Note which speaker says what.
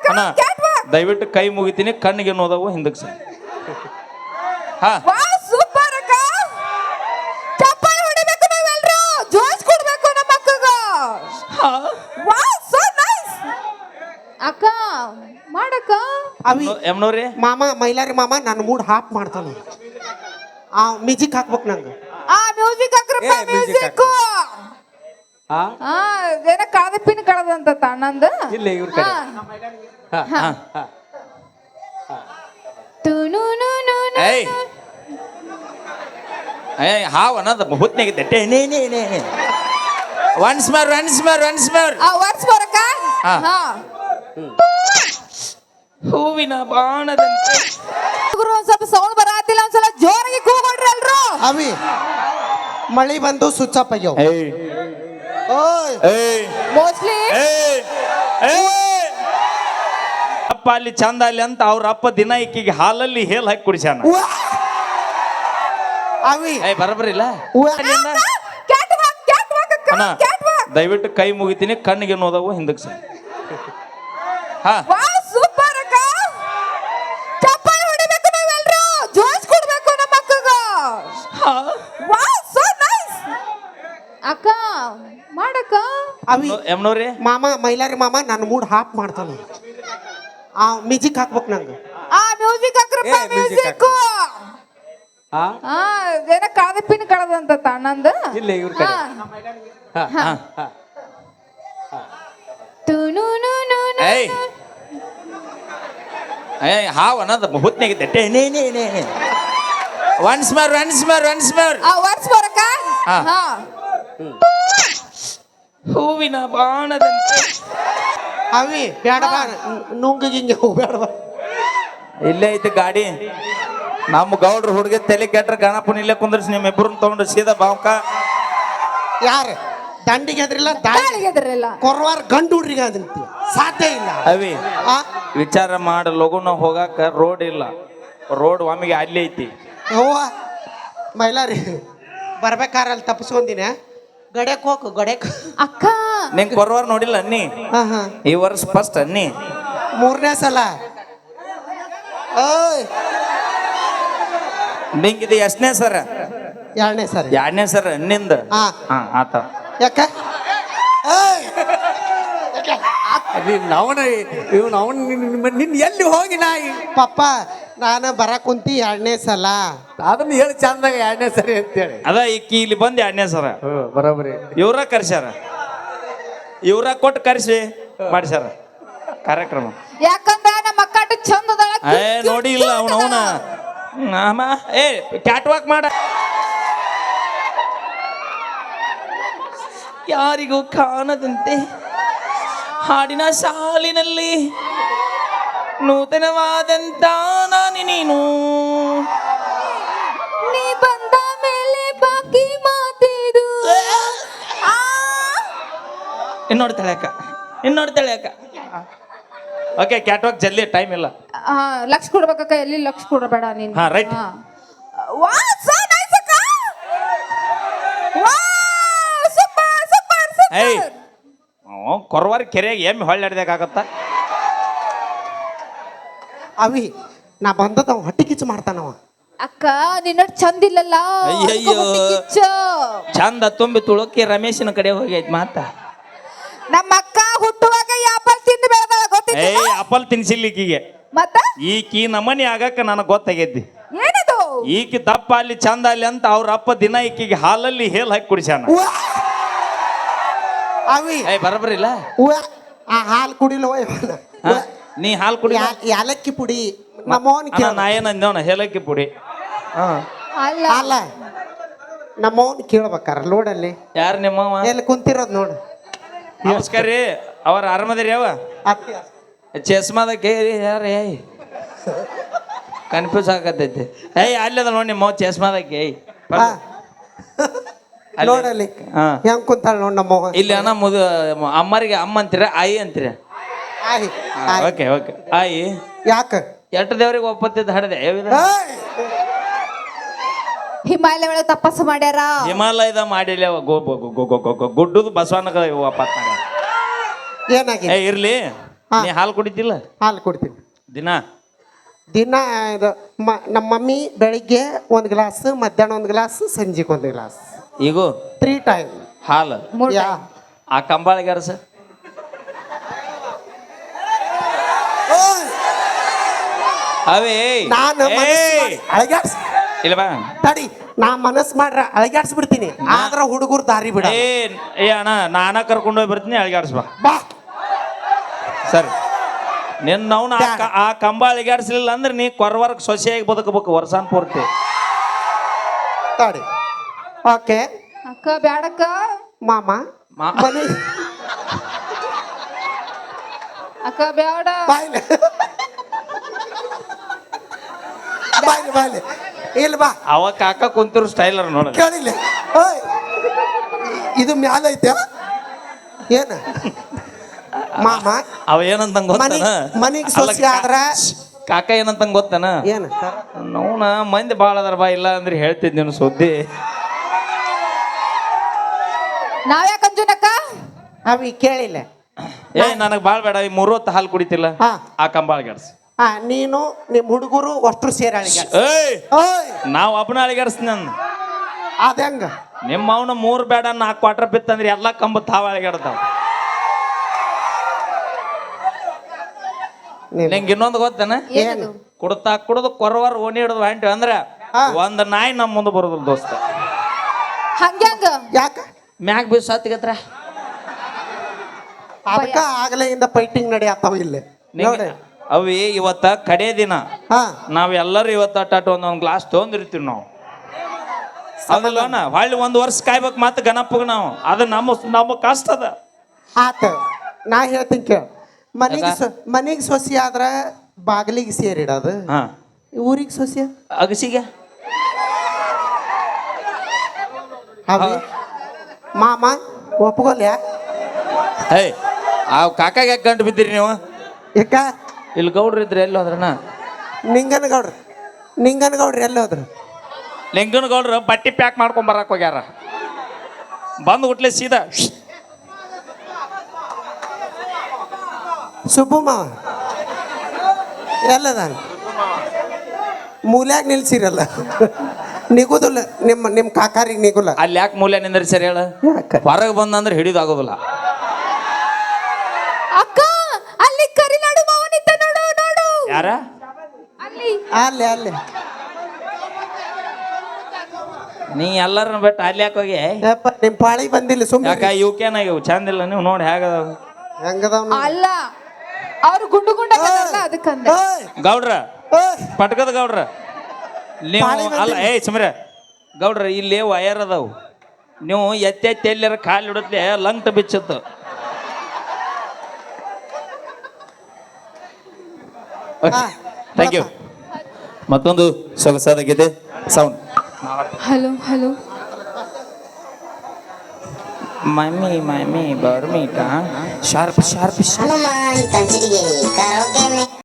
Speaker 1: ಅಣ್ಣ ದಯವಿಟ್ಟು ಕೈ ಮುಗಿತೀನಿ ಕಣ್ಣಿಗೆ ನೋದವು ಹಿಂದಕ್ಕೆ ಸರ್ ಹಾ
Speaker 2: ಸೂಪರ್ ಅಕ್ಕ ಚಪ್ಪಾಳೆ ಹೊಡಿಬೇಕು ನಾವೆಲ್ಲರೂ ಜೋಶ್ ಕೊಡ್ಬೇಕು ನಮ್ಮ ಅಕ್ಕಗ ವಾವ್ ಸೋ ನೈಸ್ ಅಕ್ಕ ಮಾಡಕ್ಕ
Speaker 3: ಅವಿ
Speaker 1: ಎಮ್ನವ್ರಿ
Speaker 3: ಮಾಮ ಮೈಲಾರಿ ಮಾಮ ನನ್ನ ಮೂಡ್ ಹಾಪ್ ಮಾಡ್ತಾನ ಆ ಮ್ಯೂಸಿಕ್ ಹಾಕ್ಬೇಕು ನಂಗೆ
Speaker 2: ಆ ಮ್ಯೂಸಿಕ್ ಹಾಕ್ರಪ್ಪ ಮ್ಯೂಸಿಕ್ ಏನ ಕಳದ ಪಿನ್ ಕಳದಂತ ತಣ್ಣಂದು
Speaker 4: ಇಲ್ಲ ಇವ್ರ ಕಡೆ
Speaker 1: ಏಯ್ ಏಯ್ ಹಾವ್ ಅನ್ನೋದು ಹುತ್ನಾಗಿದ್ದೆ ಟೇ ನೇ ಒನ್ಸ್ ಮೋರ್
Speaker 2: ವರ್ಸ್ ಬರಕ ಹಾ
Speaker 1: ಹೂವಿನ ಬಾಣದಂತೆ
Speaker 2: ಗುರು ಒಂದ್ ಸ್ವಲ್ಪ ಸೌಂಡ್ ಬರಾತಿಲ್ಲ ಒಂದ್ಸಲ ಜೋರಾಗಿ ಕೂಗೊಡ್ರಿ ಎಲ್ರು
Speaker 3: ಅವಿ ಮಳಿ ಬಂದು ಸ್ವಿಚ್ ಆಫ್ ಆಗ್ಯಾವ
Speaker 1: ಏಯ್
Speaker 3: ಓಯ್
Speaker 1: ಏಯ್
Speaker 2: ಮೋಸ್ಟ್ಲಿ
Speaker 1: ಏಯ್ ಏಯ್ ಅಪ್ಪ ಅಲ್ಲಿ ಚಂದ ಅಲ್ಲಿ ಅಂತ ಅವ್ರ ಅಪ್ಪ ದಿನ ಈಕಿಗೆ ಹಾಲಲ್ಲಿ ಹೇಲ್ ಹಾಕಿ ಕುಡಿಸ್ಯಾನ
Speaker 3: ಅವಿ
Speaker 1: ಏಯ್ ಬರಬರಿಲ್ಲ
Speaker 2: ಕ್ಯಾಟ್ ವಾಕ್ ಅಕ್ಕ
Speaker 1: ಅಣ್ಣ
Speaker 2: ಕ್ಯಾಟ್ ವಾಕ್
Speaker 1: ದಯವಿಟ್ಟು ಕೈ ಮುಗಿತೀನಿ ಕಣ್ಣಿಗೆ ನೋದವು ಹಿಂದಕ್ಕೆ ಸರ್ ಹಾ
Speaker 2: ವಾವ್ ಸೂಪರ್ ಅಕ್ಕ ಚಪ್ಪಾಳೆ ಹೊಡಿಬೇಕು ನಾವೆಲ್ಲರೂ ಜೋಶ್ ಕೊಡ್ಬೇಕು ನಮ್ಮ ಅಕ್ಕಗ ವಾವ್ ಸೋ ನೈಸ್ ಅಕ್ಕ ಮಾಡಕ್ಕ
Speaker 3: ಅವಿ
Speaker 1: ಎಮ್ನವ್ರಿ
Speaker 3: ಮಾಮ ಮೈಲಾರಿ ಮಾಮ ನನ್ನ ಮೂಡ್ ಹಾಪ್ ಮಾಡ್ತಾನ ಆ ಮ್ಯೂಸಿಕ್ ಹಾಕ್ಬೇಕು ನಂಗೆ
Speaker 2: ಆ ಮ್ಯೂಸಿಕ್ ಹಾಕ್ರಪ್ಪ ಮ್ಯೂಸಿಕ್ ಏನ ಕಳದ ಪಿನ್ ಕಳದಂತ ತಣ್ಣಂದು
Speaker 4: ಇಲ್ಲ ಇವ್ರ ಕಡೆ
Speaker 1: ಏಯ್ ಏಯ್ ಹಾವ್ ಅನ್ನೋದು ಹುತ್ನಾಗಿದ್ದೆ ಟೇ ನೇ ಒನ್ಸ್ ಮೋರ್
Speaker 2: ಆ ವರ್ಸ್ ಬರಕ ಹಾ
Speaker 1: ಹೂವಿನ ಬಾಣದಂತೆ
Speaker 3: ಅವಿ ಬೇಡ ಬಾ ನುಂಗಿಂಗೆ ಬೇಡ ಬಾ
Speaker 1: ಇಲ್ಲೇ ಐತಿ ಗಾಡಿ ನಮ್ಮ ಗೌಡ್ರ ಹುಡುಗ ತಲೆ ಕೆಟ್ರ ಗಣಪನ ಇಲ್ಲೇ ಕುಂದ್ರಿಸಿ ನಿಮ್ಮ ಇಬ್ಬರನ್ನ ತಗೊಂಡು ಸೀದಾ ಬಾವ್ಕ
Speaker 3: ಯಾರು ದಂಡಿಗೆ ಅದ್ರಿಲ್ಲ
Speaker 2: ದಾಳಿಗೆ ಎದರಿಲ್ಲ
Speaker 3: ಕೊರವಾರ ಗಂಡು ಹುಡ್ರಿಗೆ ಅದಂತ ಸಾಧ್ಯ ಇಲ್ಲ
Speaker 1: ಅವಿ
Speaker 3: ಆ
Speaker 1: ವಿಚಾರ ಮಾಡ ಲಗುನ ಹೋಗಾಕ ರೋಡ್ ಇಲ್ಲ ರೋಡ್ ಒಮ್ಮಿಗೆ ಅಲ್ಲಿ ಐತಿ
Speaker 3: ಅವ್ವ ಮೈಲಾರಿ ಬರ್ಬೇಕಾರೆ ಅಲ್ಲಿ ತಪ್ಪಿಸ್ಕೊಂದಿನ ಗಡ್ಯಾಕ್ ಹೋಗು ಗಡ್ಯಾಕ್
Speaker 2: ಅಕ್ಕ
Speaker 1: ನಿಂಗೆ ಬರುವಾರ ನೋಡಿಲ್ಲ ಅನ್ನಿ
Speaker 3: ಹಾ ಹಾ
Speaker 1: ಈ ವರ್ಷ ಫಸ್ಟ್ ಅನ್ನಿ
Speaker 3: ಮೂರನೇ ಸಲ ಓಯ್
Speaker 1: ನಿಂಗಿದು ಎಷ್ಟನೇ ಸರ
Speaker 3: ಎರಡನೇ ಸರಿ
Speaker 1: ಎರಡನೇ ಸರ ಅನ್ನಿಂದ
Speaker 3: ಹಾ
Speaker 1: ಹಾ ಆತ
Speaker 3: ಯಾಕ ಓಯ್
Speaker 4: ನಿನ್ ಎಲ್ಲಿ ಹೋಗಿ ನಾಯಿ
Speaker 3: ಪಪ್ಪ ನಾನು ಬರಕ್ ಕುಂತಿ ಎರಡನೇ ಸಲ
Speaker 4: ಅದನ್ನ ಹೇಳಿ ಚಂದಾಗ ಎರಡನೇ ಸರಿ ಅಂತೇಳಿ
Speaker 1: ಅದ ಈಕಿ ಇಲ್ಲಿ ಬಂದು ಎರಡನೇ ಸರ
Speaker 4: ಬರೋಬರಿ
Speaker 1: ಇವ್ರ ಕರ್ಸ್ಯಾರ ಇವ್ರ ಕೊಟ್ಟು ಕರ್ಸಿ ಮಾಡಿಸ್ಯಾರ ಕಾರ್ಯಕ್ರಮ
Speaker 2: ಯಾಕಂದ್ರ ನಮ್ಮ ಅಕ್ಕ ಅಷ್ಟು ಚಂದ ಅದಾಳ
Speaker 1: ಏ ನೋಡಿ ಇಲ್ಲ ಅವನ ಏ ಕ್ಯಾಟ್ ವಾಕ್ ಮಾಡ ಯಾರಿಗೂ ಕಾಣದಂತೆ ಹಾಡಿನ ಸಾಲಿನಲ್ಲಿ ನೂತನವಾದಂತ ನಾನು ನೀನು
Speaker 2: ನೀ ಬಂದ ಮೇಲೆ ಬಾಕಿ ಮಾತಿದು
Speaker 1: ಇನ್ನೋಡ್ತಾಳೆ ಅಕ್ಕ ಓಕೆ ಕ್ಯಾಟ್ ವಾಕ್ ಜಲ್ದಿ ಟೈಮ್ ಇಲ್ಲ
Speaker 2: ಲಕ್ಷ ಕೊಡ್ಬೇಕಕ್ಕ ಎಲ್ಲಿ ಲಕ್ಷ ಕೊಡಬೇಡ ನೀನು
Speaker 1: ಹಾ, right.
Speaker 2: ವಾವ್ ಸೋ ನೈಸ್ ಅಕ್ಕ ವಾವ್ ಸೂಪರ್
Speaker 1: ಏಯ್ ಕೊರವಾರ ಕೆರೆಯಾಗ ಎಮ್ಮೆ ಹೊಳ್ಳಾಡ್ದಾಗತ್ತ
Speaker 3: ಅವಿ ನಾ ಬಂದದ ಅವ ಹೊಟ್ಟೆ ಕಿಚ್ಚು ಮಾಡ್ತಾನವ
Speaker 2: ಅಕ್ಕ ನಿನ್ನ ಚಂದ ಇಲ್ಲಲ್ಲ
Speaker 1: ಅಯ್ಯಯ್ಯೋ.
Speaker 2: ಅದಕ್ಕೆ ಹೊಟ್ಟೆ ಕಿಚ್ಚು.
Speaker 1: ಚಂದ ತುಂಬಿ ತುಳುಕಿ ರಮೇಶನ ಕಡೆ ಹೋಗೈತ್ ಮಾತ
Speaker 2: ನಮ್ಮ ಅಕ್ಕ ಹುಟ್ಟುವಾಗ ಆಪಲ್ ತಿಂದು ಬೆಳೆದಾಳ ಗೊತ್ತಿಲ್ಲ
Speaker 1: ಏಯ್ ಅಪಲ್ ತಿನ್ಸಿಲ್ಲ ಈಕಿಗೆ
Speaker 2: ಮತ್ತ
Speaker 1: ಈಕಿ ನಮನಿ ಆಗಕ್ಕ ನನಗೆ ಗೊತ್ತಾಗೈತಿ
Speaker 2: ಏನದು
Speaker 1: ಈಕಿ ದಪ್ಪ ಅಲ್ಲಿ ಚಂದ ಅಲ್ಲಿ ಅಂತ ಅವ್ರ ಅಪ್ಪ ದಿನ ಈಕಿಗೆ ಹಾಲಲ್ಲಿ ಹೇಲ್ ಹಾಕಿ ಕುಡಿಸ್ಯಾನ
Speaker 3: ಅವಿ
Speaker 1: ಏಯ್ ಬರಬರಿಲ್ಲ
Speaker 3: ಆ ಹಾಲು ಕುಡಿಲವ
Speaker 1: ನೀ ಹಾಲು ಕುಡಿ
Speaker 3: ಯಾಲಕ್ಕಿ ಪುಡಿ ನಮ್ಮವನ್ ಕೇಳ
Speaker 1: ನಾ ಏನಂದೇವನ ಹೇಲಕ್ಕಿ ಪುಡಿ
Speaker 2: ಅಲ್ಲ
Speaker 3: ಅಲ್ಲ ನಮ್ಮವನ್ ಕೇಳ್ಬೇಕಾರ ಲೋಡಲ್ಲಿ
Speaker 1: ಯಾರು ನಿಮ್ಮವ
Speaker 3: ಎಲ್ಲಿ ಕುಂತಿರೋದ್ ನೋಡು
Speaker 1: ನಮಸ್ಕಾರ ರೀ ಅವ್ರ ಆರಾಮದಿರಿ ಯಾವ
Speaker 3: ಅತ್ತಿ
Speaker 1: ಚಸ್ಮಾದ ಕೇರಿ ಯಾರು ಏಯ್ ಕನ್ಫ್ಯೂಸ್ ಆಗತೈತಿ ಏಯ್ ಅಲ್ಲದ ನೋಡಿ ನಿಮ್ಮ ಚಸ್ಮಾದಕ್ಕೆ ಏಯ್
Speaker 3: ಹಾ. ನೋಡಲ್ಲಿ
Speaker 1: ಹಾ.
Speaker 3: ಹೆಂಗ್ ಕುಂತಾಳ ನೋಡ್ ನಮ್ಮವ
Speaker 1: ಇಲ್ಲಿ ಅಣ್ಣ ಅಮ್ಮರಿಗೆ ಅಮ್ಮ ಅಂತೀರ ಆಯಿ ಅಂತೀರ
Speaker 3: ಆಯ್ ಆಯ್.
Speaker 1: ಓಕೆ ಓಕೆ ಆಯಿ
Speaker 3: ಯಾಕ
Speaker 1: ಎಷ್ಟು ದೇವ್ರಿಗೆ ಒಪ್ಪತ್ತಿದ್ದು ಹಡದೆ
Speaker 3: ಏಯ್!
Speaker 2: ಹಿಮಾಲಯ ಒಳಗೆ ತಪಸ್ಸು ಮಾಡ್ಯಾರ
Speaker 1: ಹಿಮಾಲಯದ ಮಾಡಿಲ್ಲ ಗುಡ್ಡದು ಬಸವಣ್ಣಗ ವಾಪಸ್ ಮಾಡ್ಯಾರ.
Speaker 3: ಏನಾಗಿದೆ
Speaker 1: ಏ ಇರ್ಲಿ
Speaker 3: ಹಾ.
Speaker 1: ನೀ ಹಾಲು ಕುಡಿತಿಲ್ಲ
Speaker 3: ಹಾಲು ಕೊಡ್ತೀನಿ
Speaker 1: ದಿನ
Speaker 3: ದಿನ ಇದು ನಮ್ಮ ಮಮ್ಮಿ ಬೆಳಿಗ್ಗೆ ಒಂದು ಗ್ಲಾಸ್ ಮಧ್ಯಾಹ್ನ ಒಂದು ಗ್ಲಾಸ್ ಸಂಜೆಗೆ ಒಂದು ಗ್ಲಾಸ್
Speaker 1: ಈಗೂ
Speaker 3: 3 ಟೈಮ್
Speaker 1: ಹಾಲು
Speaker 2: ಮೂರ್
Speaker 3: ಯಾ
Speaker 1: ಆ ಕಂಬಾಳಿಗಾರ ಸರ್ ಅವೇ
Speaker 3: ನಾನು ಅಳಗ್ಯಾಡ್ಸ್
Speaker 1: ಇಲ್ಲ ಬಾ
Speaker 3: ತಡಿ ನಾ ಮನಸ್ಸು ಮಾಡ್ರ ಅಳಗ್ಯಾಡ್ಸ್ಬಿಡ್ತೀನಿ ಆದ್ರ ಹುಡುಗರು ದಾರಿ ಬಿಡ
Speaker 1: ಏ ಅಣ್ಣ ನಾನ ಕರ್ಕೊಂಡು ಹೋಗಿ ಬರ್ತೀನಿ ಅಳಿಗಾಡ್ಸ್ ಬಾ
Speaker 3: ಬಾ
Speaker 1: ಸರಿ ನಿನ್ನ ಆ ಕಂಬ ಅಳಿಗಾಡ್ಸ್ಲಿಲ್ಲ ಅಂದ್ರೆ ನೀ ಕೊರವರ್ಗ ಸೊಸೆಯಾಗಿ ಬದುಕಬೇಕು ವರ್ಷಾನ್ ಪೂರ್ತಿ
Speaker 3: ತಡಿ ಓಕೆ
Speaker 2: ಅಕ್ಕ ಬ್ಯಾಡಕ್ಕ
Speaker 3: ಮಾಮ ಮನೆ
Speaker 2: ಅಕ್ಕ ಬ್ಯಾಡ
Speaker 3: ಬಾಯ್ಲೆ ಬಾಯ್ಲೆ ಬಾಯ್ಲೆ ಇಲ್ಲ ಬಾ
Speaker 1: ಅವ ಕಾಕ ಕುಂತಿರೋ ಸ್ಟೈಲರ್ ನೋಡ
Speaker 3: ಕೇಳಿಲ್ಲ ಓಯ್ ಇದು ಮ್ಯಾಲ ಐತೆ ಏನ ಮಾಮ
Speaker 1: ಅವ ಏನಂತ ಗೊತ್ತಾನ
Speaker 3: ಮನಿಗ್ ಸೊಸಿ ಆದ್ರ
Speaker 1: ಕಾಕ ಏನಂತ ಗೊತ್ತಾನ
Speaker 3: ಏನ
Speaker 1: ನೋನ ಮಂದಿ ಭಾಳ ಅದಾರ ಬಾ ಇಲ್ಲ ಅಂದ್ರೆ ಹೇಳ್ತಿದ್ ನೀನು ಸುದ್ದಿ
Speaker 2: ನಾವ್ಯಾಕ ಅಂಜುನಕ್ಕ
Speaker 3: ಅವಿ ಕೇಳಿಲ್ಲ
Speaker 1: ಏ ನನಗ್ ಬಾಳ್ ಬೇಡ ಈ 3 ಹೊತ್ತು ಹಾಲು ಕುಡಿತಿಲ್ಲ
Speaker 3: ಹಾ
Speaker 1: ಆ ಕಂಬಾಳಿಗಾಡ್ಸ್
Speaker 3: ನೀನು ನಿಮ್ಮ ಹುಡುಗರು ಅಷ್ಟ್ರು ಸೇರಿ ಅಳಿಗಾಡ್ಸ್
Speaker 1: ಏಯ್
Speaker 3: ಓಯ್
Speaker 1: ನಾವ್ ಒಬ್ಬನ ಅಳಿಗಾಡ್ಸ್ತೀನಿ ನಾನು
Speaker 3: ಅದ ಹೆಂಗ
Speaker 1: ನಿಮ್ಮ ಅವನ 3 ಬೇಡ 4 ಕ್ವಾರ್ಟರ್ ಬಿತ್ತಂದ್ರೆ ಎಲ್ಲಾ ಕಂಬ ತಾವ ಅಳಿಗಾಡ್ತಾವ ನಿಂಗೆ ಇನ್ನೊಂದು ಗೊತ್ತೇನ
Speaker 2: ಏನದು
Speaker 1: ಕುಡ್ತಾ ಕುಡ್ದು ಕೊರವರ್ ಓಣಿ ಹಿಡಿದು ಹೊಂಟಿವಿ ಅಂದ್ರೆ ಒಂದ್ ನಾಯಿ ನಮ್ಮ ಮುಂದೆ ಬರೋದಿಲ್ಲ ದೋಸ್ತ
Speaker 2: ಹಂಗ್ಯಾಂಗ
Speaker 3: ಯಾಕ
Speaker 1: ಮ್ಯಾಗ್ ಬೀಸ್ ಹತ್ತಿಗತ್ರ
Speaker 3: ಅದಕ್ಕ ಆಗಲೆಯಿಂದ ಫೈಟಿಂಗ್ ನಡೆಯತ್ತಾವ ಇಲ್ಲಿ ನೋಡಿ
Speaker 1: ಅವಿ ಇವತ್ತ ಕಡೆ ದಿನ
Speaker 3: ಹಾ
Speaker 1: ನಾವೆಲ್ಲರೂ ಇವತ್ತ ಅಟ್ಟಾಟ ಒಂದೊಂದು ಗ್ಲಾಸ್ ತೊಗೊಂಡಿರ್ತೀವಿ ನಾವು ಅದಲ್ಲನ ಹೊಳ್ಳಿ 1 ವರ್ಷ ಕಾಯ್ಬೇಕು ಮತ್ತೆ ಗಣಪಗ ನಾವು ಅದು ನಮ್ಮ ಕಷ್ಟ ಅದ
Speaker 3: ಆತ ನಾ ಹೇಳ್ತೀನಿ ಕೇಳ ಮನಿಗೆ ಸೊಸಿ ಆದ್ರ ಬಾಗಿಲಿಗೆ ಸೇರಿಡೋದು
Speaker 1: ಹಾ
Speaker 3: ಊರಿಗೆ ಸೊಸಿ
Speaker 1: ಅಗಸಿಗೆ
Speaker 3: ಅವಿ ಮಾಮ ಒಪ್ಕೊಲ್ಯಾ
Speaker 1: ಹೇ ಆ ಕಾಕಾಗ ಯಾಕೆ ಗಂಟು ಬಿದ್ದೀರಿ ನೀವು
Speaker 3: ಯಾಕ
Speaker 1: ಇಲ್ಲಿ ಗೌಡ್ರು ಇದ್ರೆ ಎಲ್ಲಿ ಹೋದ್ರಣ್ಣ
Speaker 3: ನಿಂಗನಗೌಡ್ರಿ ಎಲ್ಲಿ ಹೋದ್ರು
Speaker 1: ಲಿಂಗನ ಗೌಡ್ರು ಬಟ್ಟಿ ಪ್ಯಾಕ್ ಮಾಡ್ಕೊಂಡ್ ಬರಕ್ ಹೋಗ್ಯಾರ ಬಂದು ಹುಟ್ಲೆ ಸೀದಾ
Speaker 3: ಸುಬ್ಬು ಮಾವ ಎಲ್ಲದ ಮೂಲ್ಯಾಗ ನಿಲ್ಸಿರಲ್ಲ ನಿಗುದಿಲ್ಲ ನಿಮ್ಮ ಕಾಕಾರಿಗೆ ನಿಗುಲ್ಲ
Speaker 1: ಅಲ್ಲಿ ಯಾಕೆ ಮೂಲೆ ನಿಂದ್ರಿ ಸರಿ ಹೇಳ
Speaker 3: ಯಾಕ
Speaker 1: ಹೊರಗೆ ಬಂದಂದ್ರೆ ಹಿಡಿದಾಗೋದಿಲ್ಲ
Speaker 2: ಅಕ್ಕ ಅಲ್ಲಿ ಕರಿನಾಡು ಮಾವನಿದ್ದ ನೋಡು ನೋಡು
Speaker 1: ಯಾರ
Speaker 2: ಅಲ್ಲಿ
Speaker 3: ಅಲ್ಲೇ ಅಲ್ಲೇ
Speaker 1: ನೀ ಎಲ್ಲರನ್ನ ಬಿಟ್ಟು ಅಲ್ಲಿ ಯಾಕೆ ಹೋಗಿ
Speaker 3: ಯಪ್ಪ ನಿಮ್ಮ ಪಾಳಿ ಬಂದಿಲ್ಲ ಸುಮ್ಮನೆ
Speaker 1: ಯಾಕ ಇವಕ್ಕೇನಾಗಿವು ಚಂದ ಇಲ್ಲ ನೀವು ನೋಡಿ ಹೇಗದಾವ
Speaker 3: ಹೆಂಗದವ್
Speaker 2: ಅಲ್ಲ ಅವ್ರು ಗುಂಡು ಗುಂಡಲ್ಲ ಅದಕ್ಕಂದ
Speaker 1: ಗೌಡ್ರ ಪಟ್ಕದ ಗೌಡ್ರ ನೀವು ಅಲ್ಲ ಏಯ್ ಸುಮ್ರೆ ಗೌಡ್ರ ಇಲ್ಲಿ ವಯರ್ ಅದಾವು ನೀವು ಎತ್ತೆತ್ತಿ ಎಲ್ಲರ ಕಾಲು ಹಿಡತ್ಲೆ ಲಂಗ್ಟ ಬಿಚ್ಚತ್ತು ಥ್ಯಾಂಕ್ ಯು ಮತ್ತೊಂದು ಸೊಗಸಾದ ಗೀತೆ ಸೌಂಡ್
Speaker 2: ಹಲೋ ಹಲೋ
Speaker 1: ಮಮ್ಮಿ ಬರ್ಮೀಟ ಶಾರ್ಪ್ ಶಾರ್ಪ್
Speaker 5: ಹನುಮಾನ್ ಕಂಚಿಡಿಗೆ ಕರೋಕೆ